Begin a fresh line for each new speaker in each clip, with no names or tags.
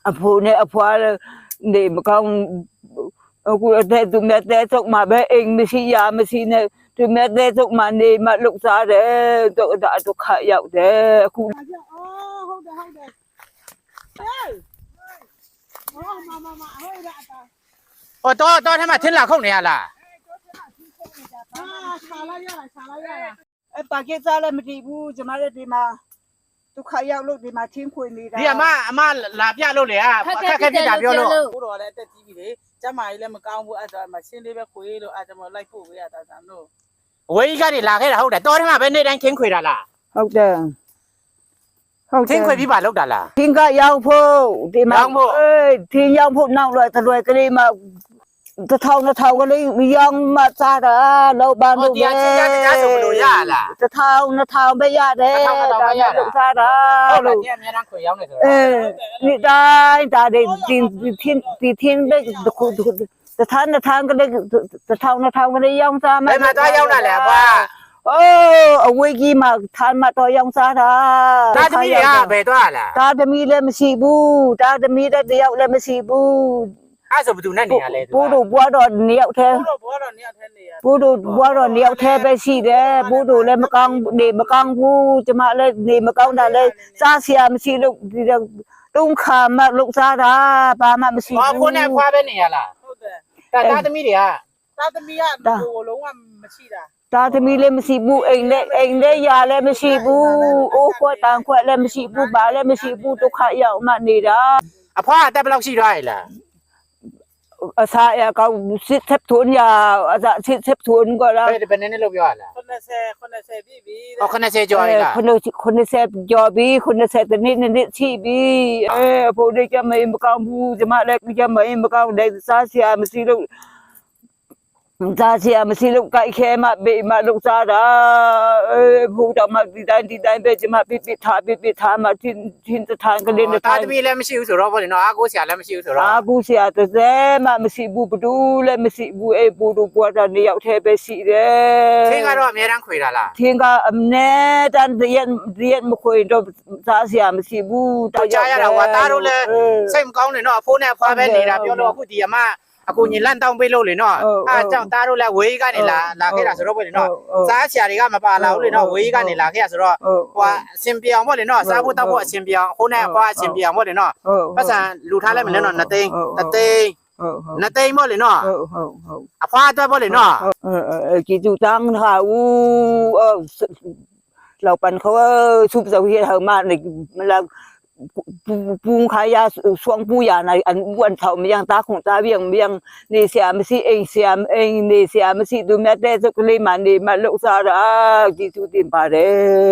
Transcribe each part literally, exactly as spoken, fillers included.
အဖိုးနဲ့အဖွားနေမကောင်းအခုတဲ့သူမြတ်တဲ့ထုတ်မှာပဲအိမ်မရှိရမရှိနဲ့သူမြတ်တဲ့ထုတ်မှာနေမှလုတ်စားတယ်တော့ဒါဒုက္ခရောက်တယ်အခု
အော်ဟုတ်တယ်ဟုတ်တယ်ဟေးအော်မမမဟေးရတာ
哦，到到他妈听哪空的呀啦？
啊，查了呀，查了呀。哎，把给咋了？没地步，怎么了？地嘛，都开药路，地嘛挺亏你的。
你阿妈阿妈哪边路的啊？开开边哪边路？
不罗嘞，在 T V 里，怎么伊嘞么讲不？啊，怎么心里边亏了？啊，怎么来补呀？大三路。
我一个人拉开了好的，到他妈边那人挺亏的啦。
ဟုတ်တယ်ဟုတ်တယ်
挺亏比把路的啦。
ထင်းကရောက်ဖို့ဒီမှာအေးထင်းရောက်ဖို့နောက်လွယ်တလွယ်ကလေးမှတထောင်တထောင်ကလေးရောင်းမှစားတာလောက်ပါလို့ပဲတထောင်တထောင်ပဲရတယ်ဒါလောက်စားတာလို့
你没人亏要那个。
အေးဒီတိုင်းဒါတွေဒီထင်းဒီထင်းပဲခုတထောင်တထောင်ကလေးတထောင်တထောင်ကလေးရောင်းစားမှ
哎妈，他要那嘞，爸。
အိုးအဝေးကြီးမှာထားမှတော့ရောင်းစားတာ
他这边呀，别多啦。
တာသမီလည်းမရှိဘူးတာသမီလည်းတယောက်လည်းမရှိဘူး
俺说不就那你呀嘞？
ဘိုးတို့ဘွားတော့နှစ်ယောက်တည်း
不罗不罗，你要听你呀。
ဘိုးတို့ဘွားတော့နှစ်ယောက်တည်းပဲရှိတယ်ဘိုးတို့လည်းမကောင်းနေမကောင်းဘူးကျမလည်းနေမကောင်းတာလည်းစားစရာမရှိလို့ဒီတော့တုံးခါမှလုတ်စားတာဘာမှမရှိ
我
ဘူး
过年花边你呀啦。
ဟုတ်တယ်
但他这边的呀。
သာသမီကဟိုလုံးဝမရှိတာ
တာသမီလည်းမရှိဘူးအိမ်လည်းအိမ်လည်းယာလည်းမရှိဘူးအိုးခွက်တန်ခွက်လည်းမရှိဘူးဘာလည်းမရှိဘူးဒုက္ခရောက်မှနေတာ
阿婆带不了去来了。
အစားအကောင်စစ်သက်သွန်းရအစားစစ်သက်သွန်းก็แล้ว
别的别人的路不要了。
90 90ပြီပြီ
哦，可能是叫你啦。
ခုနခုနဆက်ကြော်ပြီးခုနဆက်တနေ့နေ့ချိပြီးအဲဖို့ဒီကမေမကောင်းဘူးကျမလည်းကမေမကောင်းတဲ့စားစရာမရှိလို့စားစရာမရှိလို့ကြိုက်ခဲမှဘေးမှလောက်စားတာအဲဖို့တော့မှဒီတိုင်းဒီတိုင်းပဲကျမပြပြထားပြပြထားမှချင်းချင်းတထိုင်ကလေးနဲ့
他这边嘞没修手了，不然阿哥下来没修手
အာ
了。
ဘူးဆရာတစ်စဲမှမရှိဘူးဘဒူးလည်းမရှိဘူးအဲဘူးတို့ပွားတာနေရောက်သေးပဲရှိတယ်
听个说没人亏了啦。
天ကအမနဲ့တန်ရန်ရန်မခွေတော့စားစရာမရှိဘူး
တော့ကြားရတာကွာတားတို့လည်းစိတ်မကောင်းနေတော့အဖိုးနဲ့အဖွားပဲနေတာပြောလို့အခုဒီအမအခုညီလန့်တောင်းပေးလို့လေနော်အဲကြောင့်တားတို့လည်းဝေးကနေလာလာခဲ့တာဆိုတော့ပေါ့လေနော်စားဆရာတွေကမပါလာဘူးလေနော်ဝေးကနေလာခဲ့ရဆိုတော့ဟိုအစင်ပြောင်ပေါ့လေနော်စားဖို့တောက်ဖို့အစင်ပြောင်အဖိုးနဲ့အဖွားအစင်ပြောင်ပေါ့လေနော်ပတ်စံလူထားလိုက်မလဲနော်နှစ်သိန်းတစ်သိန်း
ဟုတ်ဟုတ်
နှစ်သိန်းပေါ့လေနော်
ဟုတ်ဟုတ်ဟုတ်
အဖွားအတွက်ပေါ့လေနော်
အဲအဲကြည့်သူတန်းဟာဦးအလောက်ပန်เขาซุปเสาเฮียเฮามาในมันละปูงขายาช่วงปูยาในอันอ้วนเฒ่ามันยังตาของตาเวียงเวียงนี่เสียมสิเองเสียมเองนี่เสียมสิดูแม่แต่สุกเลยมานี่มาลุกซาราจည့်သူတင်ပါတယ်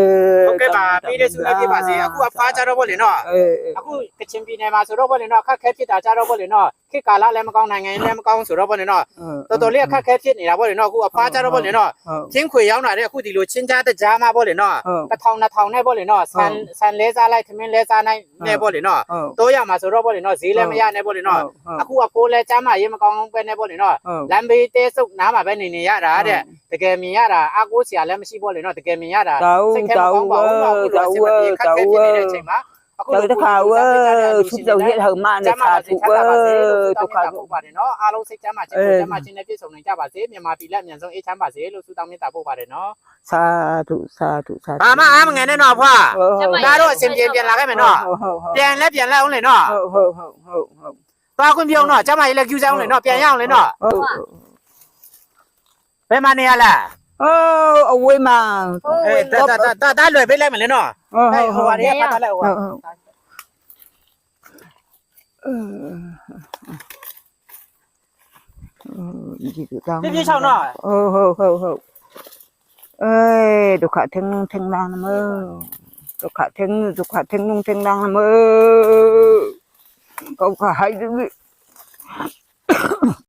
ဟုတ်ကဲ့ပါပြီးတဲ့ဆုလည်းပြပါစေအခုအဖွားကြတော့ပေါ့လေနော်
အဲ
အခုကချင်ပြည်နယ်မှာဆိုတော့ပေါ့လေနော်အခက်ခဲဖြစ်တာကြတော့ပေါ့လေနော်ခေတ်ကာလလည်းမကောင်းနိုင်ငံလည်းမကောင်းဆိုတော့ပေါ့လေနော်တော်တော်လေးအခက်ခဲဖြစ်နေတာပေါ့လေနော်အခုအဖွားကြတော့ပေါ့လေနော်ချင်းခွေရောက်လာတဲ့အခုဒီလိုချင်းကြားတဲ့ကြားမှာပေါ့လေနော်တစ်ထောင်နှစ်ထောင်နဲ့ပေါ့လေနော်ဆန်ဆန်လဲစားလိုက်သမင်းလဲစားနိုင်နဲ့ပေါ့လေနော်တော့ရမှာဆိုတော့ပေါ့လေနော်ဈေးလည်းမရနဲ့ပေါ့လေနော်အခုအဖိုးလည်းကြားမှာရေးမကောင်းပဲနဲ့ပေါ့လေနော်လမ်းဘေးတဲဆုပ်နားမှာပဲနေနေရတာတဲ့တကယ်မြင်ရတာအကိုဆရာလည်းမရှိပေါ့လေနော်တကယ်မြင်ရတာစိတ်ခဲမကောင်းပါဘူးနော်အခုတော့စိတ်မပြေခက်ခဲဖြစ်နေတဲ့အချိန်မှာ
တော့တခါဝဲซุปเสาเฮียเฮามาในขาถูกเว้อตกขา
ပို့ပါတယ်နော်အားလုံးစိတ်ချမ်းသာခြင်းကိုချမ်းသာခြင်းနဲ့ပြည့်စုံနိုင်ကြပါစေမြန်မာပြည်လက်အမြန်ဆုံးအေးချမ်းပါစေလို့ဆုတောင်းမေတ္တာပို့ပါတယ်နော်
สาธุสาธุสาธุ
ဘာမှအားမငယ်နဲ့နော်ဖွာဒါတော့အစဉ်ပြေပြန်လာခဲ့မယ်နော်ပြန်လဲပြန်လဲအောင်လေနော်
ဟုတ်ဟုတ်ဟုတ်ဟုတ်ဟုတ်
သွားခွင့်ပြုံးနော်ကျမကြီးလည်းကျူးစားအောင်လေနော်ပြန်ရအောင်လေနော်
ဟုတ်
ဘယ်မှာနေရလဲ
အော်အဝေးမှာ
အေးတာတာတာတာလွယ်ပေးလိုက်မယ်လေနော်
ဟုတ်
ဟဲ့
ဟုတ်
ဟိုပါရေပတ်ထားလိုက်ဟို
ဟုတ်ဟုတ်ဒီတောင်း
ပြပြချောင်းနော်
ဟုတ်ဟုတ်ဟုတ်ဟုတ်เอ้ยဒုက္ခထင်းထင်းလာနမဒုက္ခထင်းဒုက္ခထင်းနုံထင်းလာနမကောခဟိုက်